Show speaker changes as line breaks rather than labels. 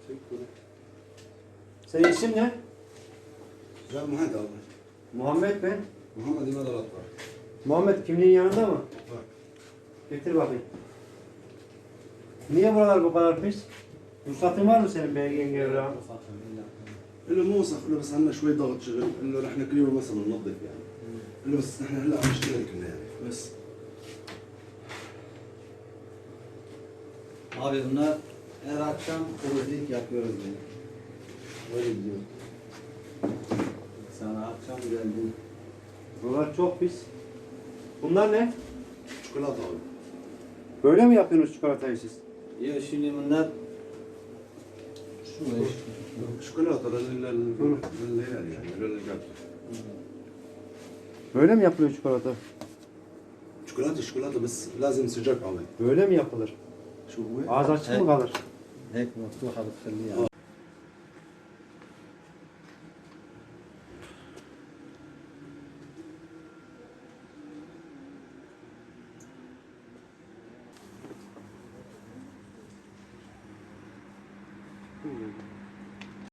Senin isim ne?
Ben Muhammed abi.
Muhammed ben.
Muhammed İmad Alat var.
Muhammed kimliğin yanında mı?
Var.
Getir bakayım. Niye buralar bu kadar pis? Ruhsatın var mı senin belgen evrağı?
اللي مو وسخ له بس عندنا شوي ضغط شغل انه رح كل يوم مثلا ننظف يعني اللي بس نحن هلا عم نشتغل كنا يعني بس
Abi bunlar her akşam temizlik yapıyoruz yani. Öyle diyor. Sana akşam geldim.
Buralar çok pis. Bunlar ne?
شوكولاته abi.
Böyle mi yapıyorsunuz çikolatayı siz?
Ya şimdi bunlar şu iş.
شوكولاته للعيال يعني للرجال.
Böyle mi yapılıyor çikolata?
شوكولاته بس لازم سجاك abi.
Böyle mi yapılır?
شو هو؟
Ağız açık mı kalır?
Hep mutluha بتخليها.
Hmm.